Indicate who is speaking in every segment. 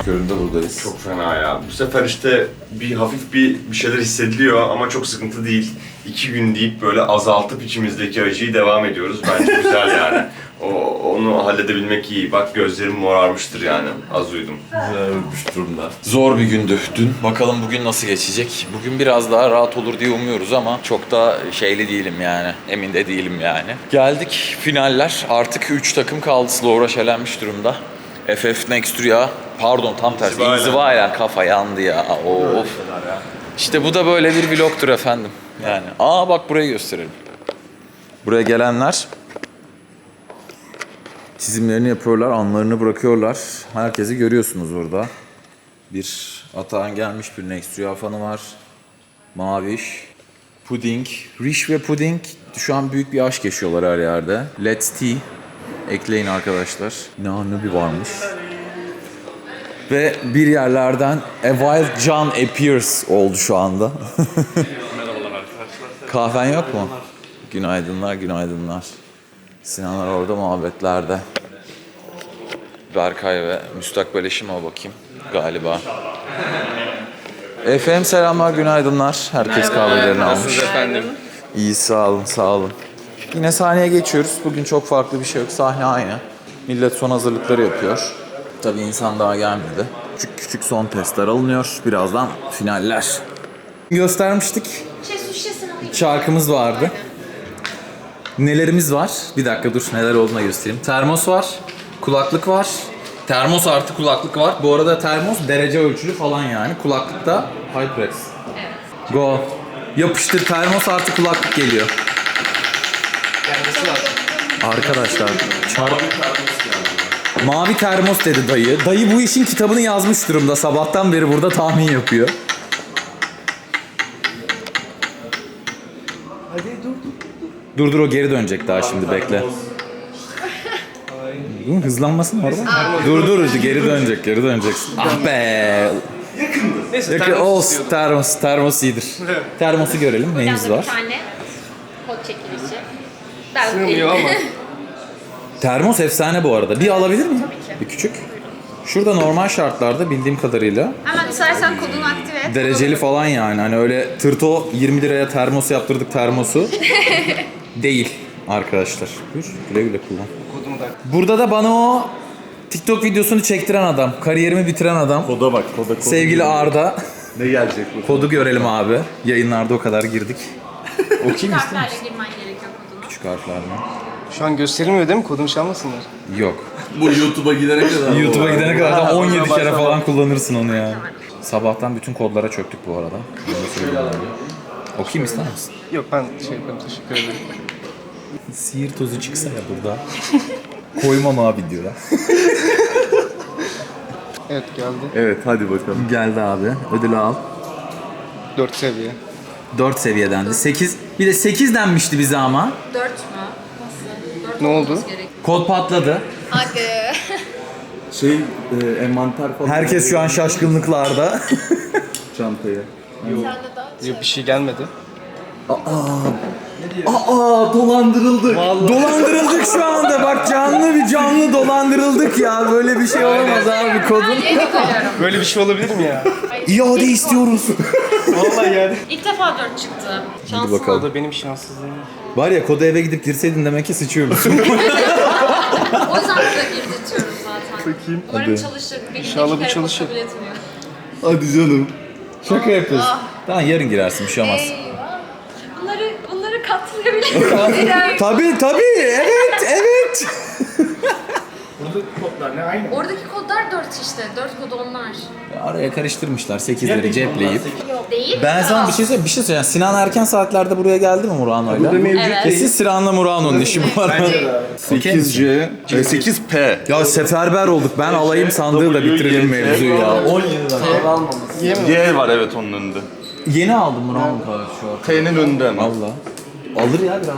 Speaker 1: köründe buradayız.
Speaker 2: Çok fena ya. Bu sefer işte hafif bir şeyler hissediliyor ama çok sıkıntı değil. 2 gün deyip böyle azaltıp içimizdeki acıyı devam ediyoruz. Bence güzel yani. Onu halledebilmek iyi. Bak gözlerim morarmıştır yani. Az uyudum.
Speaker 1: Ölmüş durumda. Zor bir gündü dün. Bakalım bugün nasıl geçecek. Bugün biraz daha rahat olur diye umuyoruz ama çok da şeyli değilim yani. Emin de değilim yani. Geldik finaller. Artık 3 takım kaldı. Slovra elenmiş durumda. FF Nextria, pardon tam tersi. İnzivayla kafa yandı ya. Of. İşte bu da böyle bir vlogtur efendim. Yani. Bak burayı gösterelim. Buraya gelenler çizimlerini yapıyorlar, anlarını bırakıyorlar. Herkesi görüyorsunuz burada. Bir Atahan gelmiş, bir Nextria fanı var. Maviş, Puding, Rish ve Puding şu an büyük bir aşk yaşıyorlar her yerde. Let's Tea ekleyin arkadaşlar. Ne bir varmış. Ve bir yerlerden A Wild John Appears oldu şu anda.
Speaker 3: Merhabalar arkadaşlar.
Speaker 1: Kahven yok mu? Günaydınlar, günaydınlar. Sinanlar orada muhabbetlerde. Berkay ve müstakbel eşime bakayım galiba. Efendim selamlar, günaydınlar. Herkes kahvelerini almış.
Speaker 3: Efendim.
Speaker 1: İyi, sağ olun, sağ olun. Yine sahneye geçiyoruz. Bugün çok farklı bir şey yok. Sahne aynı. Millet son hazırlıkları yapıyor. Tabii insan daha gelmedi. Küçük küçük son testler alınıyor. Birazdan finaller. Göstermiştik. Şarkımız vardı. Nelerimiz var? Bir dakika dur, neler olduğuna göstereyim. Termos var, kulaklık var. Termos artı kulaklık var. Bu arada termos derece ölçülü falan yani. Kulaklık da HyperX. Evet. Go. Yapıştır, termos artı kulaklık geliyor. Arkadaşlar, mavi termos dedi dayı. Dayı bu işin kitabını yazmış durumda. Sabahtan beri burada tahmin yapıyor. Dur o geri dönecek daha şimdi bekle. Hızlanmasın orada. Dur geri döneceksin. Ah be.
Speaker 3: Neyse
Speaker 1: Yakın olsun termos iyidir. Termosu görelim neyimiz var.
Speaker 4: Bir tane kod çekilişi. Ben
Speaker 3: sığmıyor ama.
Speaker 1: Termos efsane bu arada. Bir alabilir miyim? Bir küçük. Şurada normal şartlarda bildiğim kadarıyla
Speaker 4: Hemen istersen kodunu aktive et.
Speaker 1: dereceli falan yani. Hani öyle tırto 20 liraya termos yaptırdık termosu. Değil arkadaşlar. Buyur güle güle kullan.
Speaker 3: Kodumu da.
Speaker 1: Burada da bana o TikTok videosunu çektiren adam, kariyerimi bitiren adam.
Speaker 5: Koda bak, koda.
Speaker 1: Sevgili Arda.
Speaker 5: Ne gelecek bu?
Speaker 1: Kodu görelim abi. Yayınlarda o kadar girdik. Okuyayım ister
Speaker 4: Harflerle
Speaker 1: misin?
Speaker 4: girmen gerekiyor kodunu.
Speaker 1: Küçük harflerle.
Speaker 3: Şu an gösterilmiyor değil mi? Kodumu çalmasınlar.
Speaker 1: Yok.
Speaker 5: Bu YouTube'a gidene kadar.
Speaker 1: YouTube'a gidene kadar da 17 kere
Speaker 3: başlama.
Speaker 1: falan kullanırsın onu yani. Sabahtan bütün kodlara çöktük bu arada. Bunu da söyleyeyim abi. Okuyayım ister misin?
Speaker 3: Yok ben yaparım, teşekkür ederim.
Speaker 1: Sihir tozu çıksa ya burada. Koymam abi diyor.
Speaker 3: Evet geldi.
Speaker 5: Evet, hadi bakalım.
Speaker 1: Geldi abi. Ödülü al.
Speaker 3: 4 seviye.
Speaker 1: 4 seviyedendi. 8. Bir de 8 denmişti bize ama.
Speaker 4: 4 mü? Nasıl? 4
Speaker 3: Ne oldu?
Speaker 4: olması gerekiyor.
Speaker 1: Kod patladı.
Speaker 4: Hadi.
Speaker 5: Envanter falan.
Speaker 1: Herkes şu an şaşkınlıklarda.
Speaker 5: Çantaya.
Speaker 4: Sen de dağıt.
Speaker 3: Yok bir şey gelmedi.
Speaker 5: Dolandırıldık.
Speaker 1: Dolandırıldık şu anda. Bak canlı dolandırıldık ya. Böyle bir şey olamaz abi kodun.
Speaker 4: Yeni koyuyorum.
Speaker 3: Böyle bir şey olabilir mi ya?
Speaker 1: İade istiyoruz.
Speaker 3: Vallahi yani.
Speaker 4: İlk defa 4 çıktı. Şanslı.
Speaker 3: O
Speaker 1: Bakalım.
Speaker 3: da benim şanssızlığım.
Speaker 1: Var ya kodu eve gidip girseydin demek ki sıçıyormuşsun.
Speaker 4: O yüzden burada girdirtiyorum zaten.
Speaker 3: Bakayım.
Speaker 4: Umarım
Speaker 1: Hadi.
Speaker 4: çalışır. Benim
Speaker 3: İnşallah
Speaker 4: iki
Speaker 3: bu
Speaker 4: kere
Speaker 3: çalışır.
Speaker 4: kabul etmiyor.
Speaker 5: Hadi canım.
Speaker 1: Şaka yapıyorsun. Tamam yarın girersin bir şey olmaz.
Speaker 4: Eyvah. Bunları katlayabilirim.
Speaker 1: Tabii evet.
Speaker 3: Burada kodlar ne aynı?
Speaker 4: Oradaki kodlar 4 işte. 4 kodu onlar.
Speaker 1: Araya karıştırmışlar 8'leri cepleyip.
Speaker 4: Yok değil.
Speaker 1: Ben sana bir şey söyleyeyim. Sinan erken saatlerde buraya geldi mi
Speaker 5: Burada
Speaker 1: Murano'yla?
Speaker 5: mevcut
Speaker 4: Evet.
Speaker 1: Ve siz Sinan'la Murano'nun işi bu arada.
Speaker 5: 8C, 8P.
Speaker 1: Ya seferber olduk. Ben alayım sandığı da bitirelim mevzuyu ya.
Speaker 5: 17 lira. Y var evet onun önünde.
Speaker 1: Yeni aldım Murano kahvesi şu an.
Speaker 5: T'nin önünde ama.
Speaker 1: Allah. Alır ya birazdan.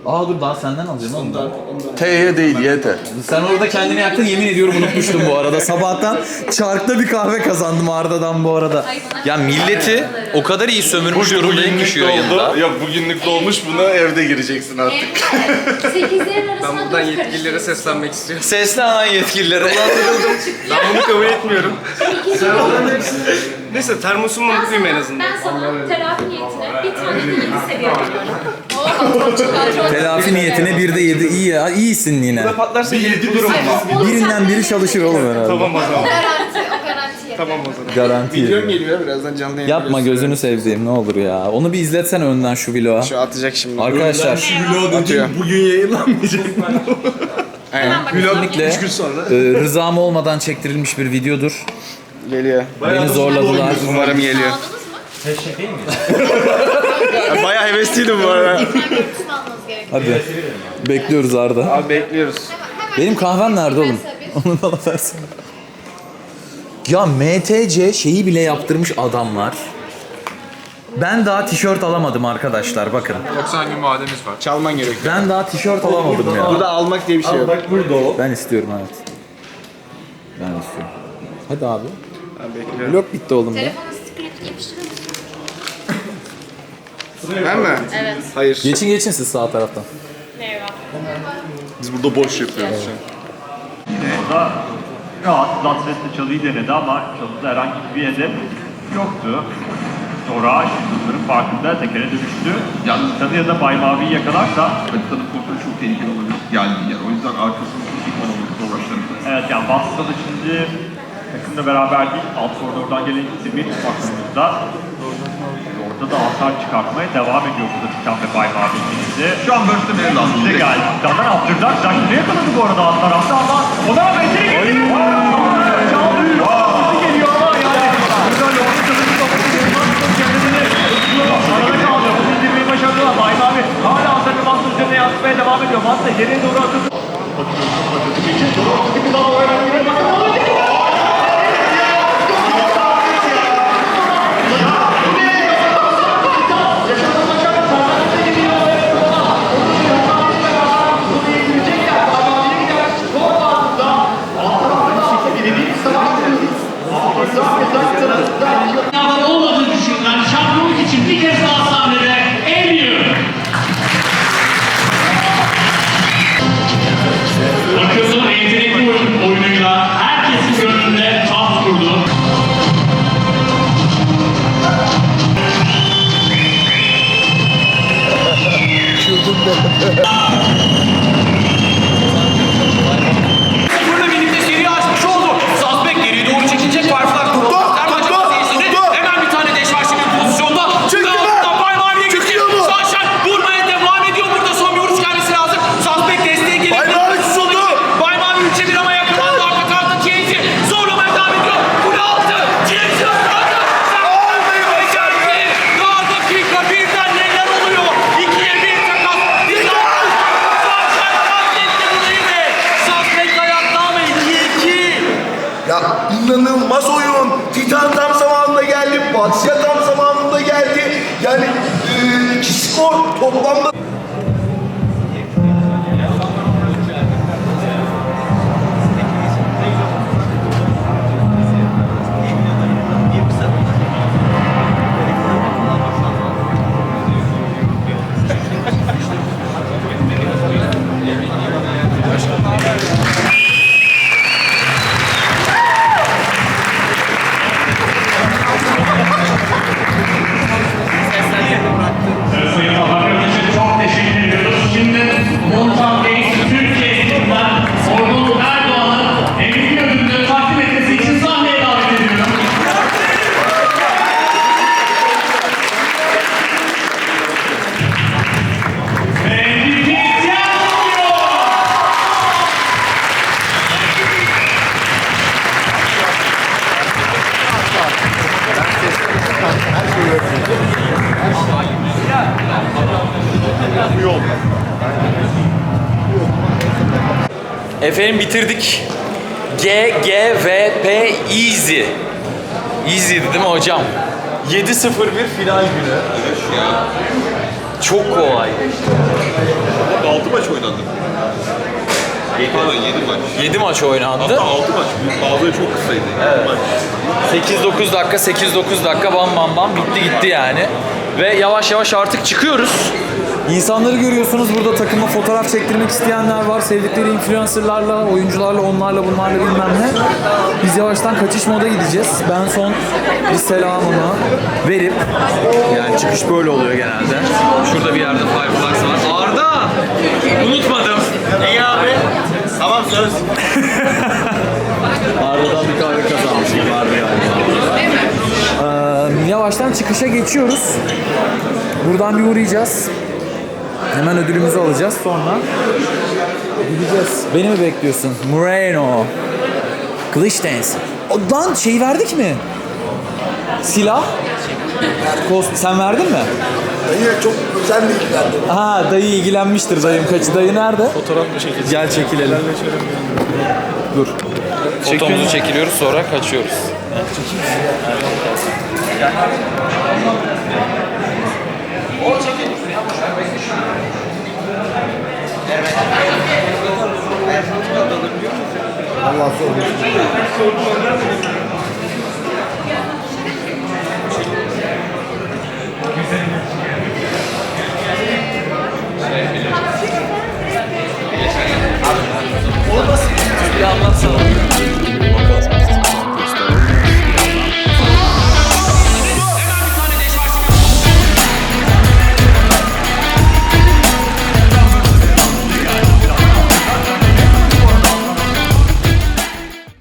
Speaker 1: Aa dur daha senden alacağım oğlum.
Speaker 5: T'ye değil YT.
Speaker 1: Sen orada kendini yaktın, yemin ediyorum unutmuştum bu arada. Sabahtan çarkta bir kahve kazandım Arda'dan bu arada. Ya milleti o kadar iyi sömürmüş durumdayım ki şu yayında.
Speaker 5: Yok bugünlük dolmuş, buna evde gireceksin artık.
Speaker 4: 8'lerin arasında
Speaker 3: Ben buradan yetkililere seslenmek istiyorum.
Speaker 1: Seslenen yetkililere.
Speaker 3: Ben bunu kabul etmiyorum. Neyse termosumu mutluyum en azından.
Speaker 4: Ben sana telafi niyetine bir tane de 7 seviye veriyorum. Oh,
Speaker 1: Telafi niyetine bir de 7. İyi ya, iyisin yine.
Speaker 3: Patlarsa yedi bulurum ama.
Speaker 1: Birinden biri çalışır oğlum herhalde.
Speaker 3: Tamam o zaman.
Speaker 4: O garanti.
Speaker 3: Tamam o zaman.
Speaker 1: Garanti.
Speaker 3: Videom geliyor birazdan canlı yayın.
Speaker 1: Yapma gözünü sevdiğim ne olur ya. Onu bir izletsen önden şu vlogu.
Speaker 3: Şu atacak şimdi.
Speaker 1: Arkadaşlar
Speaker 3: Atıyor.
Speaker 5: Bugün yayınlanmayacak.
Speaker 3: Aynen.
Speaker 1: kesinlikle
Speaker 3: 3 gün sonra.
Speaker 1: rızam olmadan çektirilmiş bir videodur.
Speaker 3: Geliyor.
Speaker 1: Beni zorladılar.
Speaker 3: Umarım geliyor.
Speaker 4: Aldınız mı?
Speaker 3: Bayağı hevesliydim bu arada.
Speaker 4: Ben görüntüsünü almanız gerekiyor.
Speaker 1: Hadi. Bekliyoruz Arda.
Speaker 3: Abi bekliyoruz.
Speaker 1: Benim kahvem nerede oğlum? Onu bana versene. Ya MTC şeyi bile yaptırmış adamlar. Ben daha tişört alamadım arkadaşlar bakın.
Speaker 3: 90 gün vademiz var. Çalman gerekiyor.
Speaker 1: Ben daha tişört alamadım ya.
Speaker 3: Burada almak diye bir şey yok.
Speaker 5: Bak burada o.
Speaker 1: Ben istiyorum evet. Ben istiyorum. Hadi abi.
Speaker 3: Ben bekliyorum.
Speaker 1: Vlog bitti oğlum da.
Speaker 4: Telefona sticker yapıştırır mısın?
Speaker 3: Ben mi?
Speaker 4: Evet.
Speaker 3: Hayır.
Speaker 1: Geçin siz sağ taraftan.
Speaker 4: Merhaba.
Speaker 5: Biz burada boş yapıyoruz şu an.
Speaker 6: Orada rahat Latres'te çalıyı denedi ama çalıda herhangi bir hedef yoktu. Sonra şutların farkında tekere dönüştü. Yani Tanı da Bay Mavi'yi yakalarsa
Speaker 7: Haritanın kontrolü çok tehlikeli olabilir geldiği yer. O yüzden arkasını tutup olması zorlaştırır.
Speaker 6: evet yani Boston'da şimdi takımla beraber değil, alt koridordan gelen bir baktığımızda orada da hasar çıkartmaya devam ediyor burada Titan ve Bay Mavi ikilisi.
Speaker 7: Şu an burst'e bile lazım.
Speaker 6: Size geldi. Titan'dan attırdılar. Jack'ı yakaladı bu arada alt tarafta ama ona rağmen seni getiriyor. Çaldı. Hızlı geliyor ama yani. Güzel yolda kazanıp kapatıyor. Kendini arada kaldı. Bunu indirmeyi başardılar. Bay Mavi hala hasarını Master üzerine yansıtmaya devam ediyor. Master geriye doğru atıldı.
Speaker 8: Sınavlar olmadığını düşünülen şampiyonluk için bir kez daha sahnede eğiliyor. Akıllı yetenekli oyunuyla herkesin gönlünde taht kurdu.
Speaker 9: Burada birlikte seri açmış oldu. Suspect geriye doğru çekilecek. Firefly tuttu. Hemen bir tane deş var şimdi pozisyonda. Bay Mavi'ye gitti. Sunshine vurmaya devam ediyor. Burada son bir vuruş gelmesi lazım. Suspect desteğe geliyor. Bay Mavi tutuldu. Bay Mavi 3'e 1 ama yakalandı. Arka tarafta TNT zorlamaya devam ediyor. Kule altı. TNT ıslandı. Becerdi. Daha dakika birden neler oluyor? 2'ye 1 takas. Sunshine katletti burayı ve Suspect ayakta ama 2-2.
Speaker 10: Ya inanılmaz oyun. Titan tam zamanında geldi. Batsya tam zamanında geldi. Yani iki skor toplamda.
Speaker 8: Sayın Bakanım için çok teşekkür ediyoruz. Şimdi Montan Bey Türkiye ekibinden Orgun Erdoğan'ın MVP ödülünü takdim etmesi için sahneye davet ediyorum. Ve MVP tiyatro!
Speaker 1: Efendim bitirdik. G, G, V, P, Easy. Easy'di değil mi hocam? 7-0-1 final günü. Çok kolay.
Speaker 5: 6 maç oynandı. Pardon 7 maç.
Speaker 1: 7 maç oynandı.
Speaker 5: Hatta 6 maç. Bazıları çok kısaydı. Evet. Maç.
Speaker 1: 8-9 dakika, 8-9 dakika bam bam bam bitti gitti yani. Ve yavaş yavaş artık çıkıyoruz. İnsanları görüyorsunuz burada, takıma fotoğraf çektirmek isteyenler var. Sevdikleri influencerlarla, oyuncularla, onlarla bunlarla bilmem ne. Biz yavaştan kaçış moda gideceğiz. Ben son bir selamımı verip, yani çıkış böyle oluyor genelde. Şurada bir yerde Fireflies var. Arda! Unutmadım. İyi abi. Tamam söz. Arda'dan bir kahve kazanmışım vardı galiba. Yavaştan çıkışa geçiyoruz. Buradan bir uğrayacağız. Hemen ödülümüzü alacağız. Sonra gideceğiz. Beni mi bekliyorsun? Moreno. Kılıç dance. Lan şey verdik mi? Silah. Sen verdin mi?
Speaker 10: Dayı çok özel bir ilgilendim.
Speaker 1: Ha, dayı ilgilenmiştir dayım. Kaçı dayı nerede? Fotoğraf mı çekeceğiz? Gel çekilelim. Dur. Fotomuzu çekiliyoruz, sonra kaçıyoruz.
Speaker 10: Allah sormuş.